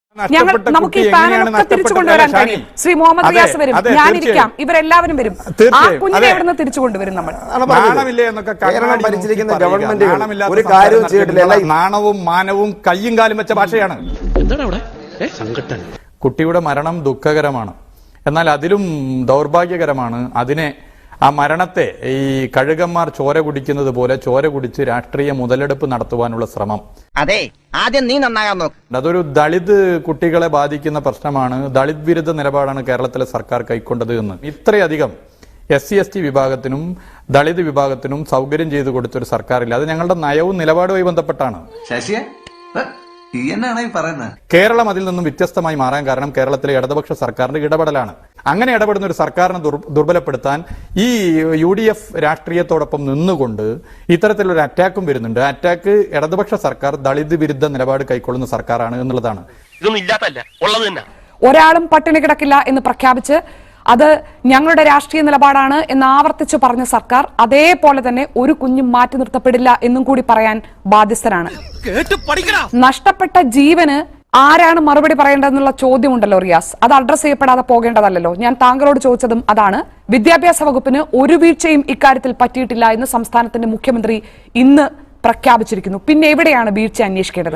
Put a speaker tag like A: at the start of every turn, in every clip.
A: നമുക്ക് ഈ പാനലൊക്കെ തിരിച്ചു കൊണ്ടുവരാൻ കഴിയും. ശ്രീ മുഹമ്മദ് റിയാസ് വരും, ഞാനിരിക്കാം, ഇവരെല്ലാവരും വരും. ആ കുഞ്ഞിനെ എവിടുന്ന് തിരിച്ചു കൊണ്ടുവരും? നമ്മൾ
B: ഭരിച്ചിരിക്കുന്ന ഗവൺമെന്റ് ഒരു കാര്യവും ചെയ്തിട്ടില്ല.
C: നാണവും മാനവും കയ്യും കാലും വെച്ച ഭാഷയാണ്. കുട്ടിയുടെ മരണം ദുഃഖകരമാണ്, എന്നാൽ അതിലും ദൗർഭാഗ്യകരമാണ് ആ മരണത്തെ ഈ കഴുകന്മാർ ചോര കുടിക്കുന്നത് പോലെ ചോര കുടിച്ച് രാഷ്ട്രീയ മുതലെടുപ്പ് നടത്തുവാനുള്ള ശ്രമം.
D: അതെ, ആദ്യം നീ നന്നാകാൻ നോക്ക്.
C: അതൊരു ദളിത് കുട്ടികളെ ബാധിക്കുന്ന പ്രശ്നമാണ്. ദളിത് വിരുദ്ധ നിലപാടാണ് കേരളത്തിലെ സർക്കാർ കൈക്കൊണ്ടത് എന്ന് ഇത്രയധികം SC/ST വിഭാഗത്തിനും ദളിത് വിഭാഗത്തിനും സൗകര്യം ചെയ്തു കൊടുത്തൊരു സർക്കാരില്ല. അത് ഞങ്ങളുടെ നയവും നിലപാടുമായി ബന്ധപ്പെട്ടാണ്. കേരളം അതിൽ നിന്നും വ്യത്യസ്തമായി മാറാൻ കാരണം കേരളത്തിലെ ഇടതുപക്ഷ സർക്കാരിന്റെ ഇടപെടലാണ്. അങ്ങനെ ഇടപെടുന്ന ഒരു സർക്കാരിനെ ദുർബലപ്പെടുത്താൻ ഈ UDF രാഷ്ട്രീയത്തോടൊപ്പം നിന്നുകൊണ്ട് ഇത്തരത്തിലൊരു അറ്റാക്കും വരുന്നുണ്ട്. അറ്റാക്ക് ഇടതുപക്ഷ സർക്കാർ ദളിത് വിരുദ്ധ നിലപാട് കൈക്കൊള്ളുന്ന സർക്കാരാണ് എന്നുള്ളതാണ്.
A: ഒരാളും പട്ടിണി കിടക്കില്ല എന്ന് പ്രഖ്യാപിച്ച് അത് ഞങ്ങളുടെ രാഷ്ട്രീയ നിലപാടാണ് എന്ന് ആവർത്തിച്ചു പറഞ്ഞ സർക്കാർ അതേപോലെ തന്നെ ഒരു കുഞ്ഞും മാറ്റി നിർത്തപ്പെടില്ല എന്നും കൂടി പറയാൻ ബാധ്യസ്ഥരാണ്. നഷ്ടപ്പെട്ട ജീവന് ആരാണ് മറുപടി പറയേണ്ടതെന്നുള്ള ചോദ്യമുണ്ടല്ലോ റിയാസ്, അത് അഡ്രസ് ചെയ്യപ്പെടാതെ പോകേണ്ടതല്ലോ. ഞാൻ താങ്കളോട് ചോദിച്ചതും അതാണ്. വിദ്യാഭ്യാസ വകുപ്പിന് ഒരു വീഴ്ചയും ഇക്കാര്യത്തിൽ പറ്റിയിട്ടില്ല എന്ന് സംസ്ഥാനത്തിന്റെ മുഖ്യമന്ത്രി ഇന്ന് പ്രഖ്യാപിച്ചിരിക്കുന്നു. പിന്നെ എവിടെയാണ് വീഴ്ച അന്വേഷിക്കേണ്ടത്?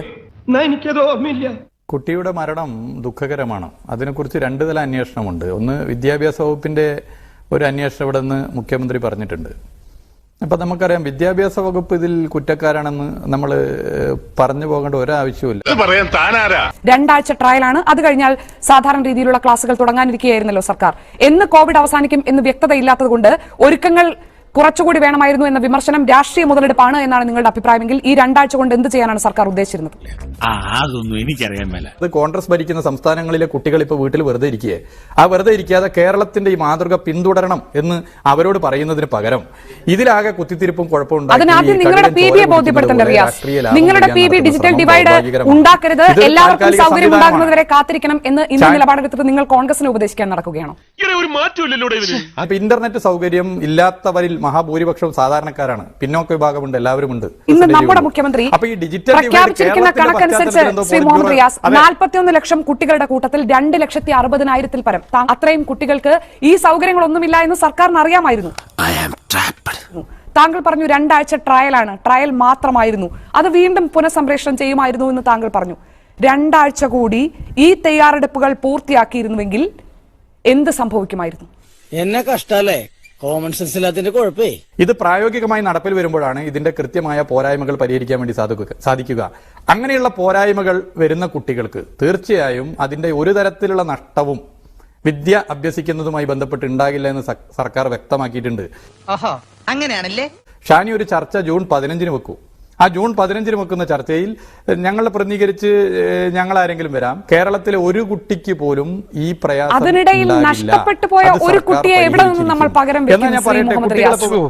C: കുട്ടിയുടെ മരണം ദുഃഖകരമാണ്. അതിനെക്കുറിച്ച് രണ്ട് തല അന്വേഷണമുണ്ട്. ഒന്ന്, വിദ്യാഭ്യാസ വകുപ്പിന്റെ ഒരു അന്വേഷണം ഇവിടെ നിന്ന് മുഖ്യമന്ത്രി പറഞ്ഞിട്ടുണ്ട്. അപ്പൊ നമുക്കറിയാം വിദ്യാഭ്യാസ വകുപ്പ് ഇതിൽ കുറ്റക്കാരാണെന്ന് നമ്മൾ പറഞ്ഞു പോകേണ്ട ഒരാവശ്യമില്ല.
A: 2 ആഴ്ച ട്രയലാണ്. അത് കഴിഞ്ഞാൽ സാധാരണ രീതിയിലുള്ള ക്ലാസുകൾ തുടങ്ങാനിരിക്കുകയായിരുന്നല്ലോ സർക്കാർ. എന്ന് കോവിഡ് അവസാനിക്കും എന്ന് വ്യക്തതയില്ലാത്തത് കൊണ്ട് ഒരുക്കങ്ങൾ കുറച്ചുകൂടി വേണമായിരുന്നു എന്ന വിമർശനം രാഷ്ട്രീയ മുതലെടുപ്പാണ് എന്നാണ് നിങ്ങളുടെ അഭിപ്രായമെങ്കിൽ ഈ 2 ആഴ്ച കൊണ്ട് എന്ത് ചെയ്യാനാണ് സർക്കാർ ഉദ്ദേശിച്ചിരുന്നത്?
E: അതൊന്നും എനിക്കറിയാൻ മേല.
C: അത് കോൺഗ്രസ് ഭരിക്കുന്ന സംസ്ഥാനങ്ങളിലെ കുട്ടികൾ ഇപ്പോൾ വീട്ടിൽ വെറുതെ ഇരിക്കുകയെ. ആ വെറുതെ ഇരിക്കാതെ കേരളത്തിന്റെ ഈ മാതൃക പിന്തുടരണം എന്ന് അവരോട് പറയുന്നതിന് പകരം ഇതിലാകെ കുത്തിത്തിരിപ്പും കുഴപ്പമുണ്ടാക്കി.
A: അതിനാദ്യം നിങ്ങളുടെ PB ബോധ്യപ്പെടുത്തേണ്ട റിയാസ്. നിങ്ങളുടെ PB ഡിജിറ്റൽ ഡിവൈഡ് ഉണ്ടാക്കരുത്, എല്ലാവർക്കും സൗകര്യം ഉണ്ടാകുന്നതുവരെ കാത്തിരിക്കണം എന്ന് ഇന്ന് നിലപാടെടുത്തിട്ട് നിങ്ങൾ കോൺഗ്രസിനെ ഉപദേശിക്കാൻ നടക്കുകയാണോ?
C: ഇന്റർനെറ്റ് സൗകര്യം ഇല്ലാത്തവരിൽ മഹാഭൂരിപക്ഷവും സാധാരണക്കാരാണ്. പിന്നോക്ക വിഭാഗമുണ്ട്, എല്ലാവരും ഉണ്ട്.
A: ഇന്ന് നമ്മുടെ മുഖ്യമന്ത്രി പ്രഖ്യാപിച്ചിരിക്കുന്ന കണക്കനുസരിച്ച് ശ്രീ മുഹമ്മദ് റിയാസ് 41 ലക്ഷം കുട്ടികളുടെ കൂട്ടത്തിൽ 2,60,000 പരം അത്രയും കുട്ടികൾക്ക് ഈ സൗകര്യങ്ങളൊന്നുമില്ല എന്ന് സർക്കാരിന് അറിയാമായിരുന്നു. താങ്കൾ പറഞ്ഞു 2 ആഴ്ച ട്രയലാണ്, ട്രയൽ മാത്രമായിരുന്നു, അത് വീണ്ടും പുനഃസംപ്രേഷണം ചെയ്യുമായിരുന്നു എന്ന് താങ്കൾ പറഞ്ഞു. 2 ആഴ്ച കൂടി ഈ തയ്യാറെടുപ്പുകൾ പൂർത്തിയാക്കിയിരുന്നുവെങ്കിൽ എന്ത് സംഭവിക്കുമായിരുന്നു?
F: എന്നെ കഷ്ടല്ലേ, കോമൺ സെൻസ് ഇല്ലാത്തതിന്റെ കുഴപ്പേ.
C: ഇത് പ്രായോഗികമായി നടപ്പിൽ വരുമ്പോഴാണ് ഇതിന്റെ കൃത്യമായ പോരായ്മകൾ പരിഹരിക്കാൻ വേണ്ടി സാധിക്കുക. അങ്ങനെയുള്ള പോരായ്മകൾ വരുന്ന കുട്ടികൾക്ക് തീർച്ചയായും അതിന്റെ ഒരു തരത്തിലുള്ള നഷ്ടവും വിദ്യ അഭ്യസിക്കുന്നതുമായി ബന്ധപ്പെട്ട് ഉണ്ടാകില്ല എന്ന് സർക്കാർ വ്യക്തമാക്കിയിട്ടുണ്ട്.
D: അങ്ങനെയാണല്ലേ.
C: ഷാനി, ഒരു ചർച്ച ജൂൺ 15 വെക്കൂ. ആ ജൂൺ 15 വെക്കുന്ന ചർച്ചയിൽ ഞങ്ങളെ പ്രതിനിധീകരിച്ച് ഞങ്ങൾ ആരെങ്കിലും വരാം. കേരളത്തിലെ ഒരു കുട്ടിക്ക് പോലും ഈ പ്രയാസം
A: അതിനിടയിൽ നഷ്ടപ്പെട്ടു പോയ ഒരു കുട്ടിയെ എവിടെ നിന്ന് നമ്മൾ പകരം വെക്കും?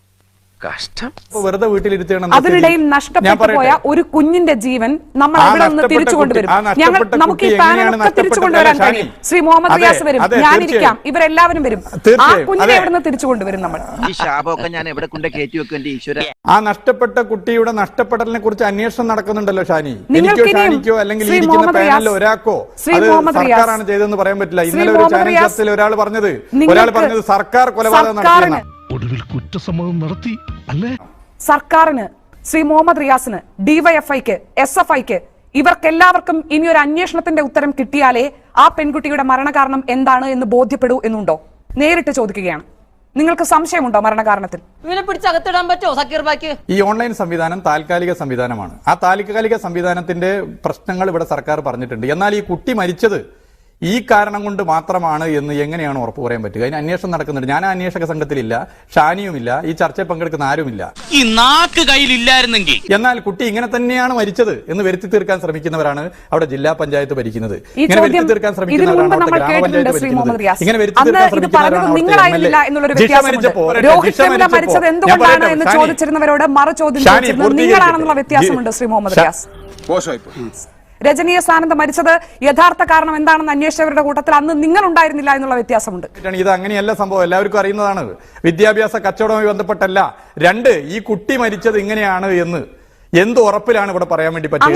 C: വെറുതെ വീട്ടിലിരുത്തണം.
A: അതിനിടയിൽ നഷ്ടപ്പെട്ടു പോയ ഒരു കുഞ്ഞിന്റെ ജീവൻ നമ്മൾ എവിടെ നിന്ന് തിരിച്ചു കൊണ്ടുവരും? നമുക്ക് ഈ പാനലൊക്കെ തിരിച്ചു കൊണ്ടുവരാൻ കഴിയും. ശ്രീ മുഹമ്മദ് റിയാസ് വരും, ഞാനിരിക്കാം, ഇവരെല്ലാവരും വരും. ആ കുഞ്ഞിനെ എവിടെ നിന്ന് തിരിച്ചു കൊണ്ടുവരും? നമ്മൾ
C: ആ നഷ്ടപ്പെട്ട കുട്ടിയുടെ നഷ്ടപ്പെടലിനെ കുറിച്ച് അന്വേഷണം നടക്കുന്നുണ്ടല്ലോ ഷാനി. എനിക്കോ ഷാനിക്കോ അല്ലെങ്കിൽ ഇരിക്കുന്ന പാനലിൽ ഒരാൾക്കോ അത് സർക്കാരാണ് ചെയ്തതെന്ന് പറയാൻ പറ്റില്ല. ഇന്നലെ ഒരു ചാനൽ ചർച്ചയിൽ ഒരാൾ പറഞ്ഞത് സർക്കാർ കൊലപാതകം നടത്തിയെന്ന്.
E: ഒടുവിൽ കുറ്റസമ്മതം നടത്തി അല്ലേ?
A: സർക്കാരിന്, ശ്രീ മുഹമ്മദ് റിയാസിന്, ഡിവൈഎഫ്ഐക്ക്, SFIക്ക്, ഇവർക്കെല്ലാവർക്കും ഇനി ഒരു അന്വേഷണത്തിന്റെ ഉത്തരം കിട്ടിയാലേ ആ പെൺകുട്ടിയുടെ മരണകാരണം എന്താണ് എന്ന് ബോധ്യപ്പെടൂ എന്നുണ്ടോ? നേരിട്ട് ചോദിക്കുകയാണ്. നിങ്ങൾക്ക് സംശയമുണ്ടോ മരണകാരണത്തിൽ?
G: ഇവനെ പിടിച്ചകത്തിടാൻ പറ്റുമോ സക്കീർ ബാക്കി?
C: ഈ ഓൺലൈൻ സംവിധാനം താൽക്കാലിക സംവിധാനമാണ്. ആ താൽക്കാലിക സംവിധാനത്തിന്റെ പ്രശ്നങ്ങൾ ഇവിടെ സർക്കാർ പറഞ്ഞിട്ടുണ്ട്. എന്നാൽ ഈ കുട്ടി മരിച്ചത് ഈ കാരണം കൊണ്ട് മാത്രമാണ് എന്ന് എങ്ങനെയാണ് ഉറപ്പ് പറയാൻ പറ്റുക? അതിന് അന്വേഷണം നടക്കുന്നുണ്ട്. ഞാൻ ആ അന്വേഷക സംഘത്തിലില്ല, ഷാനിയുമില്ല, ഈ ചർച്ചയിൽ പങ്കെടുക്കുന്ന ആരുമില്ല.
F: ഈ നാക്ക് കയ്യിലില്ലായിരുന്നെങ്കിൽ.
C: എന്നാൽ കുട്ടി ഇങ്ങനെ തന്നെയാണ് മരിച്ചത് എന്ന് വരുത്തി തീർക്കാൻ ശ്രമിക്കുന്നവരാണ് അവിടെ ജില്ലാ പഞ്ചായത്ത് ഭരിക്കുന്നത്. ഇങ്ങനെ വരുത്തി തീർക്കാൻ ശ്രമിക്കുന്നവരാണ് അവിടെ ഗ്രാമപഞ്ചായത്ത് ഭരിക്കുന്നത്. ഇങ്ങനെ വരുത്തി തീർക്കാൻ
A: ശ്രമിക്കുന്നവരാണ് എന്ന് ചോദിച്ചിരുന്നവരോട് മറു ചോദ്യം നിങ്ങളാണെന്നുള്ള വ്യത്യാസമുണ്ട് ശ്രീ മുഹമ്മദ് റിയാസ്. രജനീയ സ്ഥാനത്ത് മരിച്ചത് യഥാർത്ഥ കാരണം എന്താണെന്ന് അന്വേഷിച്ചവരുടെ കൂട്ടത്തിൽ അന്ന് നിങ്ങൾ ഉണ്ടായിരുന്നില്ല എന്നുള്ള വ്യത്യാസമുണ്ട്.
C: ഇത് അങ്ങനെയല്ല സംഭവം, എല്ലാവർക്കും അറിയുന്നതാണ്. വിദ്യാഭ്യാസ കച്ചവടവുമായി ബന്ധപ്പെട്ടല്ല. 2, ഈ കുട്ടി മരിച്ചത് ഇങ്ങനെയാണ് എന്ന് എന്ത് ഉറപ്പിലാണ് ഇവിടെ പറയാൻ വേണ്ടി പറ്റുക?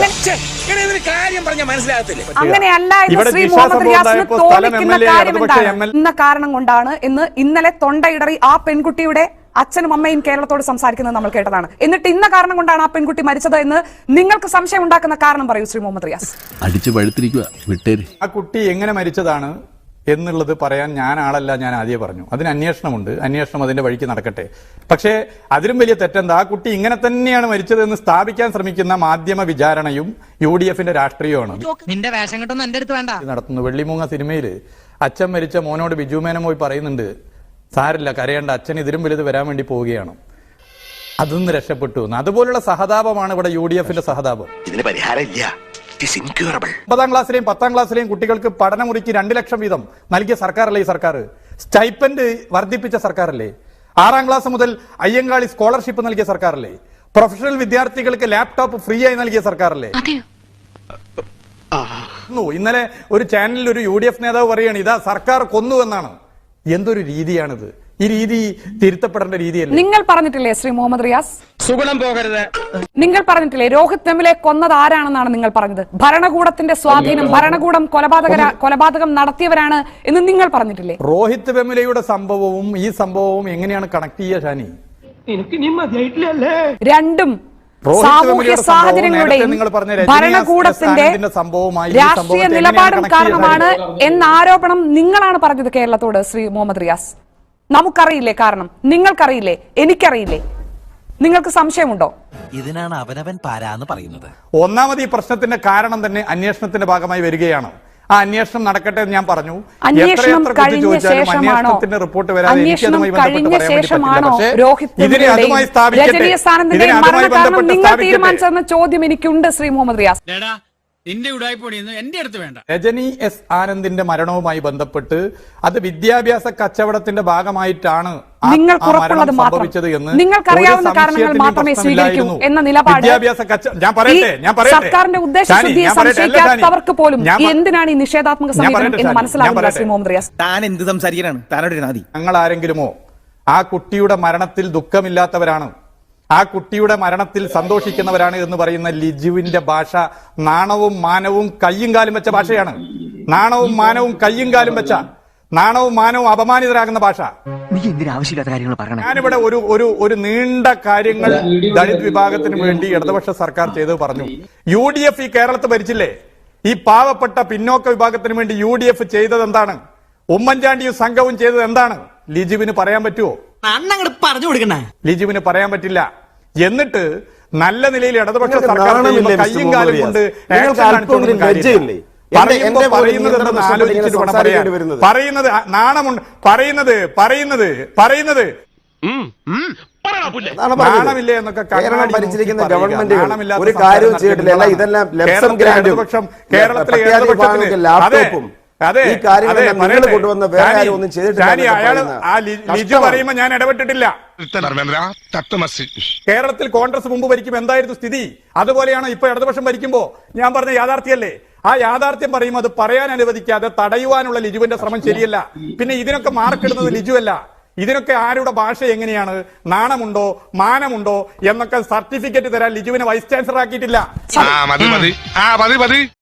A: അങ്ങനെയല്ല എന്ന്
C: ഇവിടെ
A: ശ്രീ
C: ജിഷ
A: മുഹമ്മദ്
C: സംഭവം
A: റിയാസിന്
C: ഉണ്ടായപ്പോൾ സ്ഥലം
A: തോന്നിക്കുന്ന
C: MLA,
A: കാര്യം
C: ഇടതുപക്ഷ
A: എന്താണ്?
C: MLA
A: ഇന്ന കാരണം കൊണ്ടാണ് എന്ന് ഇന്നലെ തൊണ്ടയിടറി ആ പെൺകുട്ടിയുടെ അച്ഛനും അമ്മയും കേരളത്തോട് സംസാരിക്കുന്നത് നമ്മൾ കേട്ടതാണ്. എന്നിട്ട് ഇന്ന കാരണം കൊണ്ടാണ് ആ പെൺകുട്ടി മരിച്ചത് എന്ന് നിങ്ങൾക്ക് സംശയം ഉണ്ടാക്കുന്ന കാരണം പറയൂ ശ്രീ മുഹമ്മദ് റിയാസ്.
E: അടിച്ചു പഴുത്തിരിക്കുക വിട്ടേര്.
C: ആ കുട്ടി എങ്ങനെ മരിച്ചതാണ് എന്നുള്ളത് പറയാൻ ഞാൻ ആളല്ല, ഞാൻ ആദ്യം പറഞ്ഞു. അതിന് അന്വേഷണമുണ്ട്, അന്വേഷണം അതിന്റെ വഴിക്ക് നടക്കട്ടെ. പക്ഷേ അതിലും വലിയ തെറ്റെന്താ, ആ കുട്ടി ഇങ്ങനെ തന്നെയാണ് മരിച്ചതെന്ന് സ്ഥാപിക്കാൻ ശ്രമിക്കുന്ന മാധ്യമ വിചാരണയും UDF-ന്റെ രാഷ്ട്രീയമാണ്
D: നിന്റെ വേഷം കെട്ടൊന്നും എന്റെ അടുത്ത് വേണ്ട.
C: നടത്തുന്നു. വെള്ളിമൂങ്ങ സിനിമയിൽ അച്ഛൻ മരിച്ച മോനോട് ബിജു മേനോൻ പോയി പറയുന്നുണ്ട്, സാരില്ല കരയേണ്ട, അച്ഛൻ ഇതിലും വലുത് വരാൻ വേണ്ടി പോവുകയാണ്, അതൊന്ന് രക്ഷപ്പെട്ടു എന്ന്. അതുപോലുള്ള സഹതാപമാണ് ഇവിടെ UDF-ന്റെ സഹതാപം.
H: ഇതിന് പരിഹാരമില്ല.
C: 9ാം ക്ലാസ്സിലെയും 10ാം ക്ലാസ്സിലെയും കുട്ടികൾക്ക് പഠനമുറിക്ക് 2 ലക്ഷം വീതം നൽകിയ സർക്കാരല്ലേ ഈ സർക്കാർ? സ്റ്റൈപ്പൻഡ് വർദ്ധിപ്പിച്ച സർക്കാരല്ലേ? 6ാം ക്ലാസ് മുതൽ അയ്യങ്കാളി സ്കോളർഷിപ്പ് നൽകിയ സർക്കാരല്ലേ? പ്രൊഫഷണൽ വിദ്യാർത്ഥികൾക്ക് ലാപ്ടോപ്പ് ഫ്രീ ആയി നൽകിയ സർക്കാരല്ലേ? ഇന്നലെ ഒരു ചാനലിൽ ഒരു UDF നേതാവ് പറയുകയാണ്, ഇതാ സർക്കാർ കൊന്നു എന്നാണ്. എന്തൊരു രീതിയാണിത്? ഈ രീതി തിരുത്തപ്പെടേണ്ട രീതിയല്ലേ?
A: നിങ്ങൾ പറഞ്ഞിട്ടില്ലേ ശ്രീ മുഹമ്മദ് റിയാസ്,
F: സുഗുണം പോകരുത്.
A: നിങ്ങൾ പറഞ്ഞിട്ടില്ലേ രോഹിത് വെമുലയെ കൊന്നത് ആരാണെന്നാണ് നിങ്ങൾ പറഞ്ഞത്? ഭരണകൂടത്തിന്റെ സ്വാധീനം, ഭരണകൂടം കൊലപാതകം നടത്തിയവരാണ് എന്ന് നിങ്ങൾ പറഞ്ഞിട്ടില്ലേ?
C: രോഹിത് വെമുലയുടെ സംഭവവും ഈ സംഭവവും എങ്ങനെയാണ് കണക്ട് ചെയ്യുക ഷാനി?
A: രണ്ടും സാമൂഹ്യ സാഹചര്യങ്ങളുടെയും ഭരണകൂടത്തിന്റെ രാഷ്ട്രീയ നിലപാടും കാരണമാണ് എന്ന ആരോപണം നിങ്ങളാണ് പറഞ്ഞത് കേരളത്തോട് ശ്രീ മുഹമ്മദ് റിയാസ്. നമുക്കറിയില്ലേ കാരണം? നിങ്ങൾക്കറിയില്ലേ? എനിക്കറിയില്ലേ? നിങ്ങൾക്ക് സംശയമുണ്ടോ?
H: ഇതിനാണ് അവനവൻ പാരാന്ന് പറയുന്നത്.
C: ഒന്നാമത് ഈ പ്രശ്നത്തിന്റെ കാരണം തന്നെ അന്വേഷണത്തിന്റെ ഭാഗമായി വരികയാണ്. ആ അന്വേഷണം നടക്കട്ടെ എന്ന് ഞാൻ പറഞ്ഞു.
A: അന്വേഷണം കഴിഞ്ഞ ശേഷമാണോ രോഹിത് നിങ്ങൾ തീരുമാനിച്ചതെന്ന ചോദ്യം എനിക്കുണ്ട് ശ്രീ മുഹമ്മദ് റിയാസ്.
C: രജനി എസ് ആനന്ദിന്റെ മരണവുമായി ബന്ധപ്പെട്ട് അത് വിദ്യാഭ്യാസ കച്ചവടത്തിന്റെ ഭാഗമായിട്ടാണ്
A: നിങ്ങൾക്കുറപ്പുള്ളത് മാത്രം, നിങ്ങൾക്കറിയാവുന്ന കാരണങ്ങൾ മാത്രമേ സ്വീകരിക്കൂ എന്ന നിലപാട് സർക്കാരിന്റെ ഉദ്ദേശശുദ്ധിയെ സംശയിക്കാത്തവർക്ക് പോലും എന്തിനാണ് ഈ നിഷേധാത്മക സമീപനം എന്ന് മനസ്സിലാവുന്നില്ല ശ്രീ മുഹമ്മദ് റിയാസ്.
F: താൻ എന്ത് സംസാരിക്കാനാണ്? താനോട് നാദി.
C: ഞങ്ങൾ ആരെങ്കിലുമോ ആ കുട്ടിയുടെ മരണത്തിൽ ദുഃഖമില്ലാത്തവരാണ്, ആ കുട്ടിയുടെ മരണത്തിൽ സന്തോഷിക്കുന്നവരാണ് എന്ന് പറയുന്ന ലിജുവിന്റെ ഭാഷ നാണവും മാനവും കയ്യും കാലും വെച്ച ഭാഷയാണ്. നാണവും മാനവും കയ്യും കാലും വെച്ച, നാണവും മാനവും അപമാനിതരാകുന്ന ഭാഷ.
H: നീ എന്തിനാ ആവശ്യമില്ലാത്ത കാര്യങ്ങൾ പറയണം?
C: ഞാനിവിടെ ഒരു നീണ്ട കാര്യങ്ങൾ ദളിത് വിഭാഗത്തിന് വേണ്ടി ഇടതുപക്ഷ സർക്കാർ ചെയ്തത് പറഞ്ഞു. UDF ഈ കേരളത്തിൽ ഭരിച്ചില്ലേ? ഈ പാവപ്പെട്ട പിന്നോക്ക വിഭാഗത്തിന് വേണ്ടി UDF ചെയ്തത് എന്താണ്? ഉമ്മൻചാണ്ടിയും സംഘവും ചെയ്തത് എന്താണ്? ലിജുവിന് പറയാൻ പറ്റുമോ?
F: പറഞ്ഞു കൊടുക്കണ
C: ലിജുവിന് പറയാൻ പറ്റില്ല. എന്നിട്ട് നല്ല നിലയിൽ ഇടതുപക്ഷ സർക്കാർ കയ്യും കാലും കൊണ്ട് പറയുന്നത് നാണമുണ്ട്, പറയുന്നത് നാണമില്ലേ എന്നൊക്കെ
B: ഭരിച്ചിരിക്കുന്ന ഗവൺമെന്റ് ഒരു കാര്യവും ചെയ്തിട്ടില്ല. ഇതെല്ലാം കേരളത്തിലെ ഇടതുപക്ഷത്തിന്
C: ലിജു പറയുമ്പോ ഞാൻ ഇടപെട്ടിട്ടില്ല. കേരളത്തിൽ കോൺഗ്രസ് മുമ്പ് ഭരിക്കുമ്പോൾ എന്തായിരുന്നു സ്ഥിതി? അതുപോലെയാണ് ഇപ്പൊ ഇടതുപക്ഷം ഭരിക്കുമ്പോ ഞാൻ പറഞ്ഞ യാഥാർത്ഥ്യമല്ലേ? ആ യാഥാർത്ഥ്യം പറയുമ്പോൾ അത് പറയാൻ അനുവദിക്കാതെ തടയുവാനുള്ള ലിജുവിന്റെ ശ്രമം ശരിയല്ല. പിന്നെ ഇതിനൊക്കെ മാർക്കിടുന്നത് ലിജുവല്ല. ഇതിനൊക്കെ ആരുടെ ഭാഷ എങ്ങനെയാണ്? നാണമുണ്ടോ മാനമുണ്ടോ എന്നൊക്കെ സർട്ടിഫിക്കറ്റ് തരാൻ ലിജുവിനെ വൈസ് ചാൻസലർ ആക്കിയിട്ടില്ല.